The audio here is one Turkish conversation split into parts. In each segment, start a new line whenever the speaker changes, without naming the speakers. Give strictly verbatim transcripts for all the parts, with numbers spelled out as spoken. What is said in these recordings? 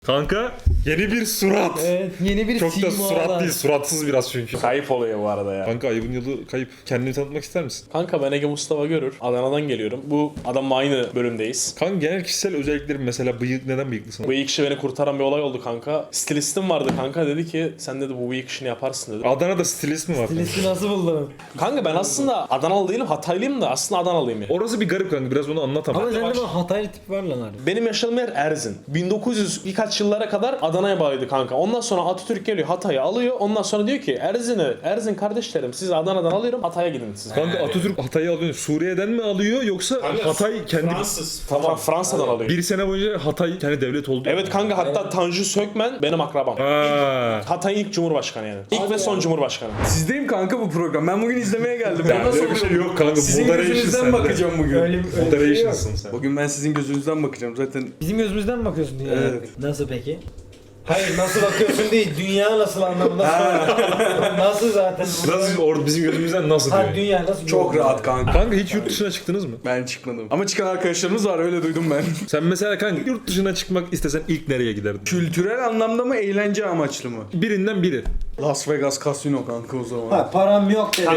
Kanka yeni bir surat.
Evet, yeni bir
Çok da
sima
surat
var.
değil, suratsız biraz çünkü.
Kayıp oluyor bu arada ya.
Kanka ayıbın yılı kayıp. Kendini tanıtmak ister misin?
Kanka ben Ege Mustafa Görür. Adana'dan geliyorum. Bu adamla aynı bölümdeyiz.
Kanka genel kişisel özelliklerin mesela bıyık, neden bıyıklısın?
Bu ilk işi beni kurtaran bir olay oldu kanka. Stilistim vardı kanka, dedi ki sen dedi bu bıyık işini yaparsın dedi.
Adana'da stilist mi var?
Listi nasıl buldun?
Kanka ben aslında Adanalı değilim, Hataylıyım da aslında Adanalıyım ya.
Orası bir garip kanka, biraz onu anlat ama.
Ama sende böyle Hataylı tip var lan abi.
Benim yaşadığım yer Erzin. bin dokuz yüz birkaç yıllara kadar Adana'ya bağlıydı kanka. Ondan sonra Atatürk geliyor, Hatay'ı alıyor. Ondan sonra diyor ki Erzin'i, Erzin kardeşlerim sizi Adana'dan alıyorum, Hatay'a gidin siz.
Kanka Atatürk Hatay'ı alıyor. Suriye'den mi alıyor yoksa Hatay kendi...
Fransız. Tamam. Fransa'dan alıyor.
Bir sene boyunca Hatay kendi devlet oldu.
Evet kanka, hatta Tanju Sökmen benim akrabam.
Ha.
Hatay'ın ilk cumhurbaşkanı yani. İlk ve son cumhurbaşkanı.
Sizdeyim kanka bu program. Ben bugün izlemeye geldim. Ben nasıl
Öyle bir şey
oluyor?
yok kanka.
Sizin
Moderation
gözünüzden
sende.
bakacağım bugün.
Öyle, öyle bir şey yok.
Moderation'sın sen.
Bugün ben sizin gözünüzden bakacağım zaten.
Bizim gözümüzden mi bakıyorsun dünyaya?
Evet.
Nasıl peki? Hayır, nasıl bakıyorsun değil, dünya nasıl anlamında söyle. Nasıl zaten?
Nasıl, or, bizim gözümüzden nasıl
Ha,
diyor?
dünya nasıl?
Çok rahat kanka.
Kanka hiç yurt dışına çıktınız mı?
Ben çıkmadım. Ama çıkan arkadaşlarımız var, öyle duydum ben.
Sen mesela kanka yurt dışına çıkmak istesen ilk nereye giderdin?
Kültürel anlamda mı, eğlence amaçlı mı?
Birinden biri.
Las Vegas Casino kanka o zaman.
Ha, param yok dedi.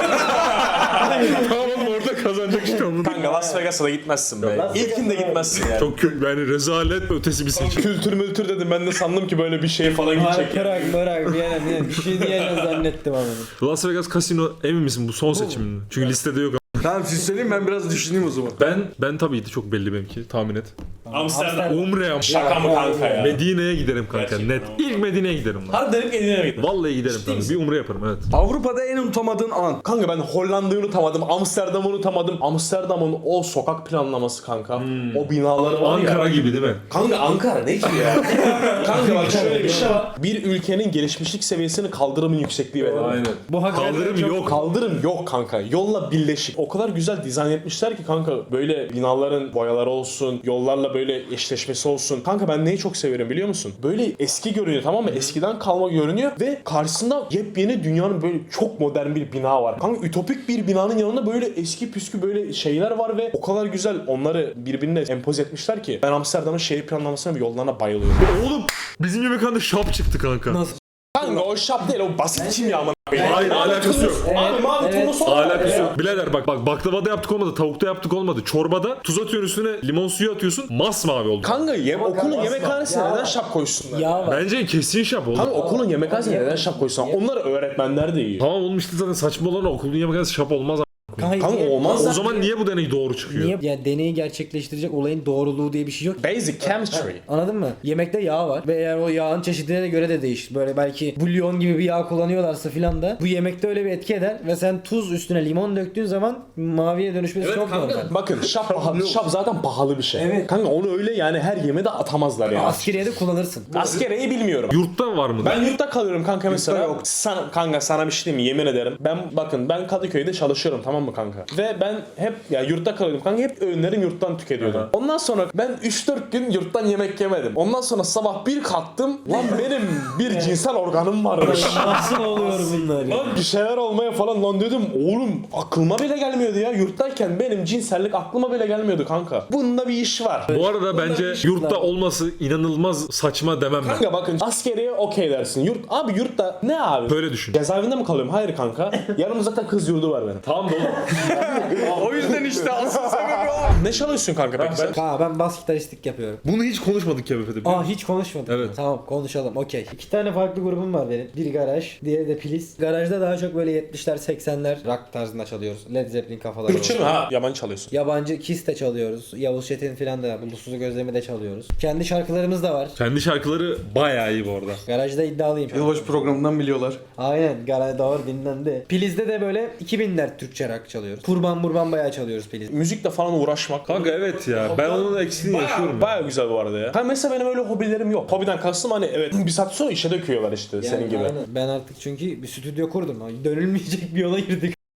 Tamam oğlum, orada kazanacak işte onu.
Kanka Las Vegas'a da gitmezsin be.
Las
İlkinde
Vegas'a-
gitmezsin yani.
Çok kö- yani rezalet ötesi bir seçim.
Kültür mültür dedim, ben de sandım ki böyle bir şey falan
Hayır,
gidecek.
bırak bırak bir yana bir yana. Bir şey diyeceğini zannettim ama.
Las Vegas Casino emin misin bu son seçimin? Çünkü listede yok.
Tamam siz söyleyin, ben biraz düşüneyim o zaman.
Ben ben tabii ki çok belli benimki, tahmin et.
Amsterdam.
Umre am.
Şaka mı kanka ya?
Medine'ye giderim kanka,
Gerçekten
net.
ama.
İlk Medine'ye giderim lan.
Harbiden ilk Medine'ye gittim.
Vallahi giderim kanka. Bir umre yaparım, evet.
Avrupa'da en unutamadığın an.
Kanka ben Hollanda'yı unutamadım, Amsterdam'ı unutamadım. Amsterdam'ın o sokak planlaması kanka. O binaları var ya.
Ankara gibi değil mi?
Kanka Ankara ne ki ya? Kanka bak şöyle bir şey var. Bir ülkenin gelişmişlik seviyesini kaldırımın yüksekliği verir.
Bu hakikaten
Kaldırım
çok-
yok.
Kaldırım yok kanka. Yolla birleşik. O kadar güzel dizayn etmişler ki kanka, böyle binaların boyaları olsun, yollarla böyle eşleşmesi olsun. Kanka ben neyi çok severim biliyor musun? Böyle eski görünüyor, tamam mı? Eskiden kalma görünüyor ve karşısında yepyeni dünyanın böyle çok modern bir bina var. Kanka ütopik bir binanın yanında böyle eski püskü böyle şeyler var ve o kadar güzel onları birbirine empoze etmişler ki ben Amsterdam'ın şehir planlamasına ve yollarına bayılıyorum.
Oğlum bizim yemekhanede şap çıktı kanka.
Nasıl?
Kanka o şap değil, o basit kimya amına koyayım.
Hayır, alakası yok.
Abi mavi
Evet.
tonu sonra.
Alakası yok. Birader bak bak baklavada yaptık olmadı, tavukta yaptık olmadı. Çorbada tuz atıyorsun üstüne, limon suyu atıyorsun, masmavi oldu.
Kanka yem, okulun
kanka,
yemekhanesine
ya.
neden şap koysunlar?
Yağ var.
Bence kesin şap oldu.
Kanka okulun yemekhanesine neden şap koysunlar? Onlar öğretmenler de iyi.
Tamam oğlum, işte zaten saçma olan o, okulun yemekhanesi şap olmaz.
Kanka,
Kanka
niye-
olmaz.
O zaman niye bu deney doğru çıkıyor?
Niye? Ya deneyi gerçekleştirecek olayın doğruluğu diye bir şey yok.
Basic chemistry.
Anladın mı? Yemekte yağ var ve eğer o yağın çeşidine göre de değişir. Böyle belki bulyon gibi bir yağ kullanıyorlarsa filan da bu yemekte öyle bir etki eder ve sen tuz üstüne limon döktüğün zaman maviye dönüşmesi çok normal.
Bakın şap, pahalı, şap zaten pahalı bir şey.
Evet.
Kanka onu öyle yani her yemeğe atamazlar ya.
Askeriyede kullanırsın.
Askereyi bilmiyorum.
Yurtta var mı?
Ben yurtta kalıyorum kanka mesela.
yok.
Sana, kanka sana bir şey diyeyim mi? Yemin ederim. Ben bakın ben Kadıköy'de çalışıyorum, tamam mı kanka? Ve ben hep ya yurtta kalıyordum kanka. Hep öğünlerim yurttan tüketiyordum.
Aha.
Ondan sonra ben üç dört gün yurttan yemek yemedim. Ondan sonra sabah bir kalktım. Lan benim bir cinsel organım varmış.
Nasıl oluyor bunlar ya?
Lan bir şeyler olmaya falan lan dedim. Oğlum aklıma bile gelmiyordu ya. Yurttayken benim cinsellik aklıma bile gelmiyordu kanka. Bunda bir iş var.
Bu arada bence yurtta olması inanılmaz saçma demem ben.
Kanka bakın askeriye okey dersin. Yurt abi yurtta ne abi?
Böyle düşün.
Cezaevinde mi kalıyorum? Hayır kanka. Yanımda zaten kız yurdu var benim.
Tamam oğlum.
O yüzden işte asıl sebebi o.
Ne çalıyorsun kanka peki sen?
Kanka ben bas gitaristlik yapıyorum.
Bunu hiç konuşmadık ya Befe'de.
Aa hiç konuşmadık.
Evet.
Tamam konuşalım okey. İki tane farklı grubum var benim. Biri garaj, diğeri de Priz. Garajda daha çok böyle yetmişler seksenler rock tarzında çalıyoruz. Led Zeppelin kafaları.
Türkçe mi
olsun.
ha? Yabancı çalıyorsun.
Yabancı Kiss de çalıyoruz. Yavuz Çetin filan da Bulutsuz Gözlemi de çalıyoruz. Kendi şarkılarımız da var.
Kendi şarkıları bayağı iyi bu arada.
Garajda iddialıyım.
Yılbaşı programından biliyorlar.
Aynen garaj doğru dinlendi. Piliz'de de böyle iki binler Türkçe rock çalıyoruz. Kurban burban bayağı çalıyoruz Piliz.
Müzikle falan uğraşmak.
Kanka evet ya. Ben onun eksiğini yaşıyorum. ya.
Baya güzel bu arada ya. Ha mesela benim öyle hobilerim yok. Hobiden kastım hani evet bir saat sonra işe döküyorlar işte senin gibi.
Aynen. Ben artık çünkü bir stüdyo kurdum. Dönülmeyecek bir yola girdik.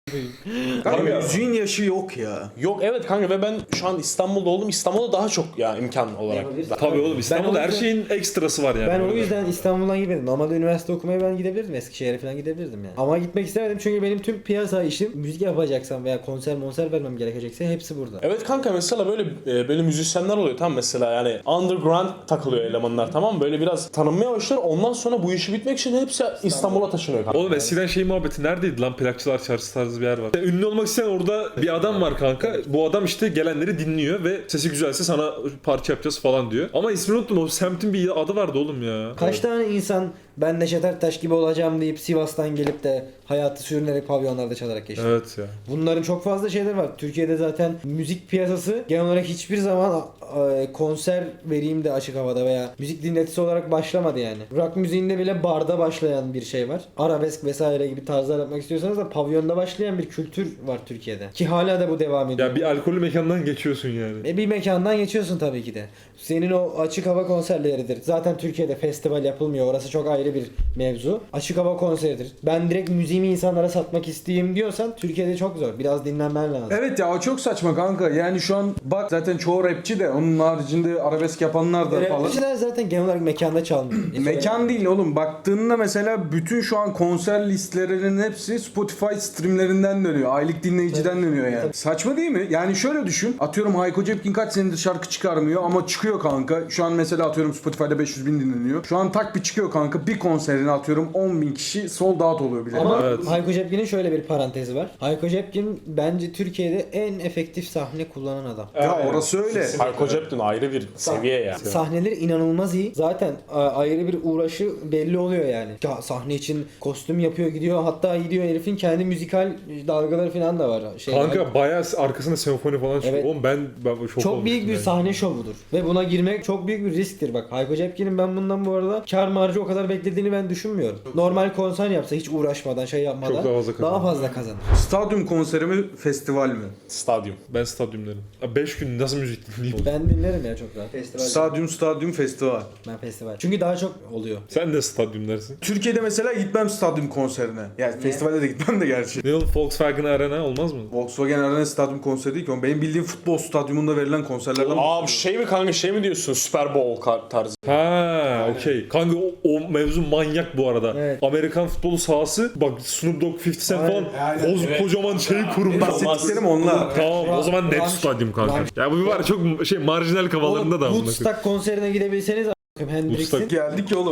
Kanka müziğin yaşı yok ya.
Yok evet kanka ve ben şu an İstanbul'da oldum. İstanbul'da daha çok ya imkan olarak.
Tabii oğlum İstanbul'da
Ben o
her
yüzden-
şeyin ekstrası var yani.
Ben o
Öyle.
yüzden İstanbul'dan gitmedim. Normalde üniversite okumaya ben gidebilirdim. Eskişehir'e falan gidebilirdim yani. Ama gitmek istemedim çünkü benim tüm piyasa işim müzik yapacaksam veya konser monser vermem gerekecekse hepsi burada.
Evet kanka mesela böyle e, böyle müzisyenler oluyor tam mesela yani underground takılıyor elemanlar tamam mı? Böyle biraz tanınmaya başlar ondan sonra bu işi bitmek için hepsi İstanbul'a taşınıyor kanka.
Oğlum eskiden şey muhabbeti neredeydi lan, plakçılar çarşısı tarzı bir yer var. Yani ünlü olmak isteyen orada bir adam var kanka. Bu adam işte gelenleri dinliyor ve sesi güzelse sana parça yapacağız falan diyor. Ama ismini unuttum, o semtin bir adı vardı oğlum ya.
Kaç tane insan ben Neşet Ertaş gibi olacağım deyip Sivas'tan gelip de hayatı sürünerek pavyonlarda çalarak geçti.
Evet ya.
Bunların çok fazla şeyleri var. Türkiye'de zaten müzik piyasası genel olarak hiçbir zaman e, konser vereyim de açık havada veya müzik dinletisi olarak başlamadı yani. Rock müziğinde bile barda başlayan bir şey var. Arabesk vesaire gibi tarzlar yapmak istiyorsanız da pavyonda başlayan bir kültür var Türkiye'de. Ki hala da bu devam ediyor.
Ya bir alkollü mekandan geçiyorsun yani.
E bir mekandan geçiyorsun tabii ki de. Senin o açık hava konserleridir. Zaten Türkiye'de festival yapılmıyor. Orası çok ayrı bir mevzu. Açık hava konseridir. Ben direkt müziğimi insanlara satmak isteyeyim diyorsan Türkiye'de çok zor. Biraz dinlenmen lazım.
Evet ya o çok saçma kanka. Yani şu an bak zaten çoğu rapçi de onun haricinde arabesk yapanlar da falan.
Rapçiler zaten genel olarak mekanda çalmıyor.
Mekan değil oğlum. Baktığında mesela bütün şu an konser listelerinin hepsi Spotify streamlerinden dönüyor. Aylık dinleyiciden dönüyor yani. Saçma değil mi? Yani şöyle düşün. Atıyorum Hayko Cepkin kaç senedir şarkı çıkarmıyor ama çıkıyor kanka. Şu an mesela atıyorum Spotify'da beş yüz bin dinleniyor. Şu an tak bir çıkıyor kanka. Bir konserine atıyorum on bin kişi sold out oluyor bile.
Ama
Evet.
Hayko Cepkin'in şöyle bir parantezi var. Hayko Cepkin bence Türkiye'de en efektif sahne kullanan adam.
Ya orası öyle.
Hayko Cepkin ayrı bir seviye ya.
Sahneleri inanılmaz iyi. Zaten a- ayrı bir uğraşı belli oluyor yani. Ya sahne için kostüm yapıyor gidiyor. Hatta gidiyor herifin kendi müzikal dalgaları falan da var. Şey,
Kanka bayağı arkasında senfoni falan çıkıyor.
Evet.
Oğlum ben, ben şok
çok büyük
olmuştum
bir
yani.
sahne şovudur. Ve buna girmek çok büyük bir risktir. Bak Hayko Cepkin'in ben bundan bu arada kar marjı o kadar beklediğini ben düşünmüyorum. Normal konser yapsa hiç uğraşmadan şey yapmadan
Çok daha fazla kazanır.
daha fazla kazanır.
Stadyum konseri mi, festival mi?
Stadyum.
Ben stadyumlarım. beş gün nasıl müzik dinleyeyim?
Ben dinlerim ya çok rahat. Festival.
Stadyum, stadyum, festival.
Ben festival. Çünkü daha çok oluyor.
Sen de stadyum dersin.
Türkiye'de mesela gitmem stadyum konserine. Yani festivalde de gitmem de gerçi.
Ne oğlum, Volkswagen Arena olmaz mı?
Volkswagen Arena stadyum konseri değil ki. oğlum. Benim bildiğim futbol stadyumunda verilen konserlerden
Aa bu şey mi kanka şey mi diyorsun Super Bowl ka- tarzı.
Ha, okey. Kanka o, o mevzu manyak bu arada.
Evet.
Amerikan futbolu sahası, bak Snoop Dogg, fifty Cent
Aynen,
falan
aynen.
koz, kocaman şey kurmuş.
bahsettiklerim onlar.
Tamam o zaman net
Ranch-
stadyum kanka.
Ranch-
Ya bu bir var ya, çok şey marjinal kafalarında da amına koyayım.
Woodstock konserine gidebilseniz a**ım Hendrix'in
Woodstock.
Geldik ya oğlum.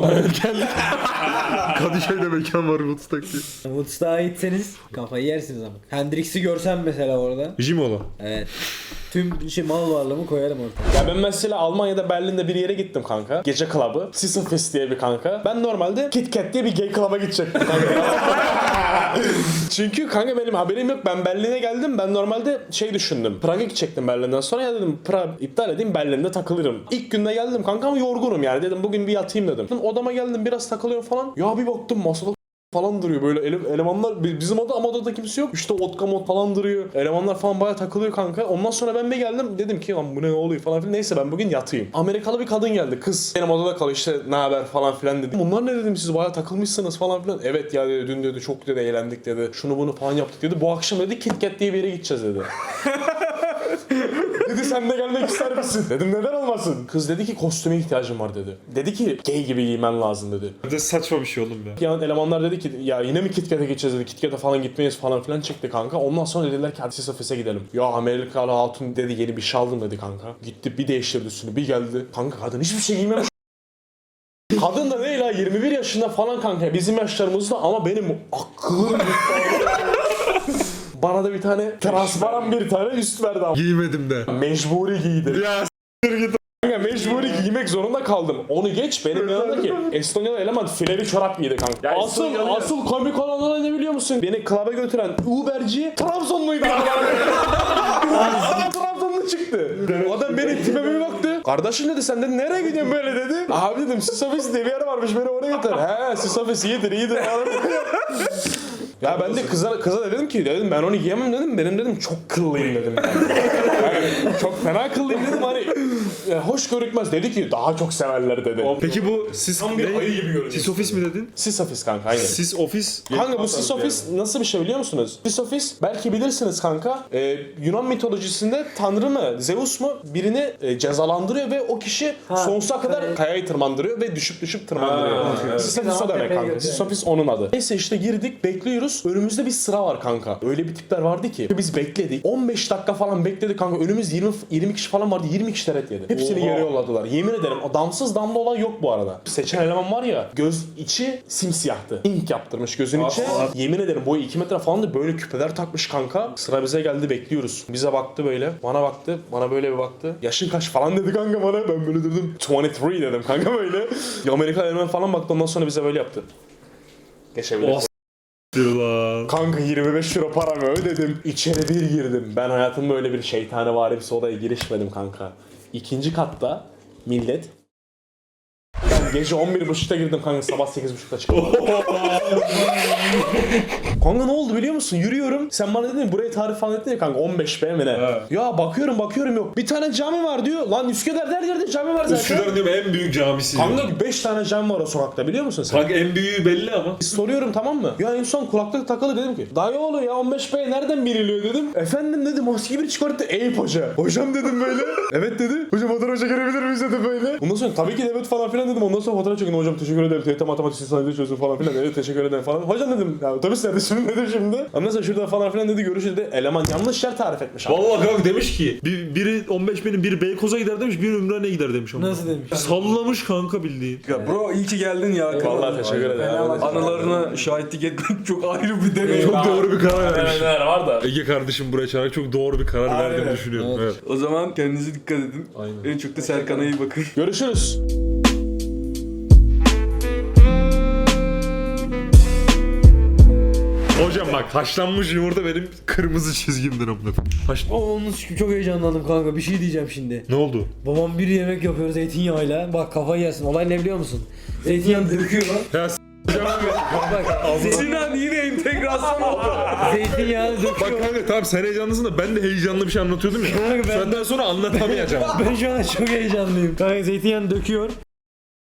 Kadıköy'de mekan var Woodstock diye.
Woodstock'a gitseniz kafayı yersiniz ama. Hendrix'i görsem mesela orada.
Jimola.
Evet. Tüm şey mal varlığımı koyarım ortaya.
Ya ben mesela Almanya'da Berlin'de bir yere gittim kanka. Gece klabı. Sisselfest diye bir kanka. Ben normalde Kit Kat diye bir gay klaba gidecektim kanka. Çünkü kanka benim haberim yok. Ben Berlin'e geldim. Ben normalde şey düşündüm. Prag'a gidecektim Berlin'den sonra. Ya dedim Prag iptal edeyim Berlin'de takılırım. İlk günde geldim kanka ama yorgunum yani. Dedim bugün bir yatayım dedim. Odama geldim biraz takılıyorum falan. Ya bir baktım masada falan duruyor böyle ele- elemanlar bizim oda ama odada kimse yok. İşte vodka mod falan duruyor. Elemanlar falan bayağı takılıyor kanka. Ondan sonra ben bir geldim dedim ki lan bu ne oluyor falan filan. Neyse ben bugün yatayım. Amerikalı bir kadın geldi. Kız benim odada kalıyor işte ne haber falan filan dedi. Bunlar ne dedim siz bayağı takılmışsınız falan filan. Evet ya dedi dün dedi çok dedi eğlendik dedi. Şunu bunu falan yaptık dedi. Bu akşam dedi Kit Kat diye bir yere gideceğiz dedi. Dedi sen de gelmek ister misin? Dedim neden olmasın? Kız dedi ki kostüme ihtiyacım var dedi. Dedi ki gay gibi giymen lazım dedi.
Bir de saçma bir şey oğlum ya.
Yani elemanlar dedi ki ya yine mi Kit Kat'a geçeceğiz dedi. Kit Kat'a falan gitmeyiz falan filan çıktı kanka. Ondan sonra dediler ki hadi Sisselfest'e gidelim. Ya Amerikalı hatun dedi yeni bir şey aldım dedi kanka. Gitti bir değiştirdi üstünü bir geldi. Kanka kadın hiçbir şey giymemiş. Kadın da değil ha yirmi bir yaşında falan kanka bizim yaşlarımızda ama benim aklım bana da bir tane transparan bir tane üst verdi ama.
Giymedim de.
Mecburi giydi.
Ya
Kanka mecburi giymek zorunda kaldım. Onu geç benim yanımdaki Estonyalı eleman fileli çorap giydi kanka.
Ya
asıl
Estonyalı-
asıl komik olan olay ne biliyor musun? Beni klaba götüren Uberci Trabzonluydu. Adam Trabzonlu çıktı. Adam benim tipime bir baktı. Kardeşim dedi sen dedi nereye gidiyorsun böyle dedi. Abi dedim Sisselfest diye bir yer varmış beni oraya götür. He Sisselfest iyidir iyidir. Ya ben de kıza, kıza da dedim ki dedim ben onu giyemem dedim. Benim dedim çok kıllıyım dedim. Yani çok fena kıllıyım dedim hani e, hoş görükmez dedi ki daha çok severler dedi.
Peki bu sis
Tam bir
ne?
ayı gibi görünüyor.
Sis ofis mi dedin?
Sis ofis kanka aynen.
Sis ofis.
Kanka bu sis ofis nasıl bir şey biliyor musunuz? Sis ofis belki bilirsiniz kanka. Ee, Yunan mitolojisinde tanrı mı Zeus mu birini e, cezalandırıyor ve o kişi sonsuza kadar
evet.
kayayı tırmandırıyor ve düşüp düşüp tırmandırıyor.
Ha, evet.
Sis ofis o
Tamam,
demek
tepeye
kanka.
götürüyor.
Sis ofis onun adı. Neyse işte girdik bekliyoruz. Önümüzde bir sıra var kanka. Öyle bir tipler vardı ki biz bekledik. on beş dakika falan bekledik kanka. Önümüz yirmi yirmi kişi falan vardı. yirmi kişi teret yedi. Hepsini
Oha.
yere yolladılar. Yemin ederim o damsız damla olay yok bu arada. Seçen eleman var ya göz içi simsiyahtı. İnk yaptırmış gözün içi. Yemin ederim boyu iki metre falan da böyle küpeler takmış kanka. Sıra bize geldi bekliyoruz. Bize baktı böyle. Bana baktı. Bana böyle bir baktı. Yaşın kaç falan dedi kanka bana. Ben böyle dedim. yirmi üç dedim kanka böyle. Amerika eleman falan baktı ondan sonra bize böyle yaptı. Geçebiliriz.
Lan.
Kanka yirmi beş euro paramı ödedim. İçeri bir girdim. Ben hayatımda öyle bir şeytani varimsi odaya girişmedim kanka. İkinci katta millet. Ben gece on bir buçukta girdim kanka sabah sekiz buçukta çıktım. Kanka ne oldu biliyor musun? Yürüyorum. Sen bana dedin buraya tarif falan dedin ya kanka on beş be mi ne?
Evet.
Ya bakıyorum bakıyorum yok. Bir tane cami var diyor. Lan Üsküdar'da her yerde cami var zaten.
Üsküdar'ın diyorum en büyük camisi.
Kanka beş tane cami var o sokakta biliyor musun sen?
Kanka en büyüğü belli ama.
Soruyorum tamam mı? Ya en son kulaklık takılı dedim ki dayı oğlu ya on beş be nereden biliniyor dedim. Efendim dedi maske bir çıkarttı Eyüp hoca. Hocam dedim böyle. Evet dedi. Hocam fotoğraf çekebilir miyiz dedim böyle. Ondan sonra tabii ki de evet falan filan dedim. Ondan sonra fotoğraf çekin hocam teşekkür ederim. T Y T matematik sistemleri çözün falan filan. Evet teşekkür ederim falan. Hocam dedim ya otobüs nerede şimdi dedim şimdi. Ondan sonra şurada falan filan dedi görüşürüz dedi. Eleman yanlış yer tarif etmiş abi.
Vallahi kanka demiş ki bir, biri on beş benim biri Beykoz'a gider demiş biri Ümraniye'ye gider demiş. Ama.
Nasıl demiş?
Sallamış kanka bildiğin.
Ya bro iyi ki geldin ya.
Vallahi teşekkür ederim.
Anılarına şahitlik etmek çok ayrı bir deneyim.
Çok doğru bir karar vermiş.
Neler var da.
Ege kardeşim buraya çağırarak çok doğru bir karar verdiğimi düşünüyorum. Evet.
O zaman kendinize dikkat edin.
Aynen.
En çok da Serkan'a iyi bakın.
Görüşürüz.
Hocam bak haşlanmış yumurta benim kırmızı çizgimdir amına. Haş...
O onun için çok heyecanlandım kanka. Bir şey diyeceğim şimdi.
Ne oldu?
Babam bir yemek yapıyor zeytinyağıyla. Bak kafayı yersin. Olay ne biliyor musun? Zeytinyağı döküyor.
Ya s-
Bak
Sinan yine entegrasyon oldu.
zeytinyağını
Bak
döküyor.
kanka tamam sen heyecanlısın da ben de heyecanlı bir şey anlatıyordum ya.
Kanka ben-
Senden sonra anlatamayacağım.
Ben şu an çok heyecanlıyım. Kanka zeytinyağını döküyor.